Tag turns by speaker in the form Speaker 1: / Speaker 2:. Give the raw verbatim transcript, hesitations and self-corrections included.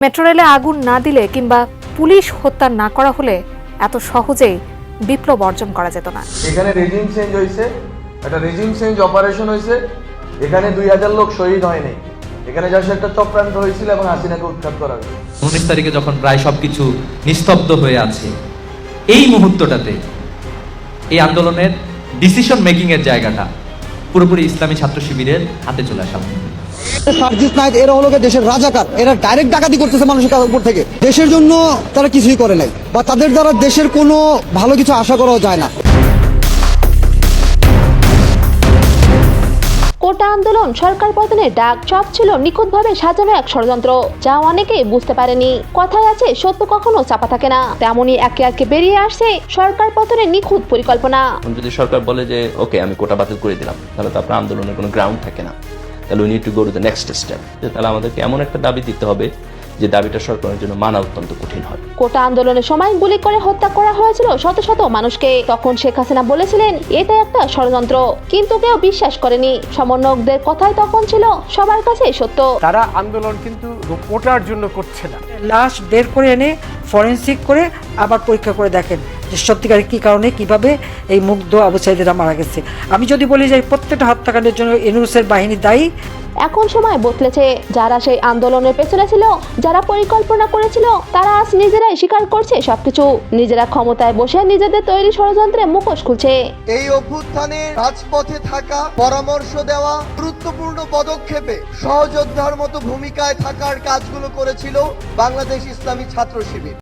Speaker 1: Metro রেলে আগুন না দিলে কিংবা পুলিশ হত্যা না করা হলে এত সহজেই বিপ্লব অর্জন করা যেত না।
Speaker 2: এখানে রেজিম চেঞ্জ হয়েছে, একটা রেজিম চেঞ্জ অপারেশন হয়েছে। এখানে দুই হাজার লোক শহীদ হয়নি, এখানে জাস্ট একটা চক্রান্ত হয়েছিল এবং হাসিনাকে উৎখাত করা হয়েছে।
Speaker 3: উনিশ তারিখে যখন প্রায় সবকিছু নিস্তব্ধ হয়ে আছে, এই মুহূর্তটাতে এই আন্দোলনের ডিসিশন মেকিং এর জায়গাটা পুরোপুরি ইসলামী ছাত্র শিবিরের হাতে চলে আসা।
Speaker 4: সার্জিস নাইট এরা হলো দেশের রাজাকার, এরা ডাইরেক্ট ডাকাতি করতেছে মানুষের উপর থেকে। দেশের জন্য তারা কিছুই করে নাই, বা তাদের দ্বারা দেশের কোনো ভালো কিছু আশা করাও যায় না।
Speaker 5: কোটা আন্দোলন সরকার পতনের ডাক, সব ছিল নিখুঁতভাবে সাজানো এক ষড়যন্ত্র, যা অনেকেই বুঝতে পারেনি। কথায় আছে সত্য কখনো চাপা থাকে না, তেমনই একে একে বেরিয়ে আসছে সরকার পতনের নিখুঁত পরিকল্পনা।
Speaker 6: যদি সরকার বলে যে ওকে আমি কোটা বাতিল করে দিলাম, তাহলে তো আপনার আন্দোলনের কোনো গ্রাউন্ড থাকে না। তাহলে we need to go to the next step. তাহলে আমাদেরকে এমন একটা দাবি দিতে হবে যে দাবিটা সরকারের জন্য মানা অত্যন্ত কঠিন হয়।
Speaker 5: কোটা আন্দোলনের সময় গুলি করে হত্যা করা হয়েছিল শত শত মানুষকে। তখন শেখ হাসিনা বলেছিলেন এটা একটা ষড়যন্ত্র, কিন্তু কেউ বিশ্বাস করেনি। সমন্বয়কদের কথাই তখন ছিল সবার কাছে সত্য।
Speaker 7: তারা আন্দোলন কিন্তু কোটার জন্য করছে না। লাশ বের করে এনে ফরেনসিক করে আবার পরীক্ষা করে দেখেন যে সত্যিকারে কি কারণে কিভাবে এই মুগ্ধ আবু সাঈদীরা মারা গেছে। আমি যদি বলি যে প্রত্যেকটা হত্যাকাণ্ডের জন্য ইউনূসের বাহিনী দায়ী।
Speaker 5: এখন সময় বদলেছে। যারা সেই আন্দোলনের পেছনে ছিল, যারা পরিকল্পনা করেছিল, তারা আজ নিজেরাই স্বীকার করছে সবকিছু। নিজেরা ক্ষমতায় বসে নিজেদের তৈরি ষড়যন্ত্রে মুখোশ খুলছে।
Speaker 8: এই অভ্যুত্থানে রাজপথে থাকা, পরামর্শ দেওয়া, গুরুত্বপূর্ণ পদক্ষেপে সহযোদ্ধার মতো ভূমিকায় থাকার কাজগুলো করেছিল বাংলাদেশ ইসলামী ছাত্র শিবির।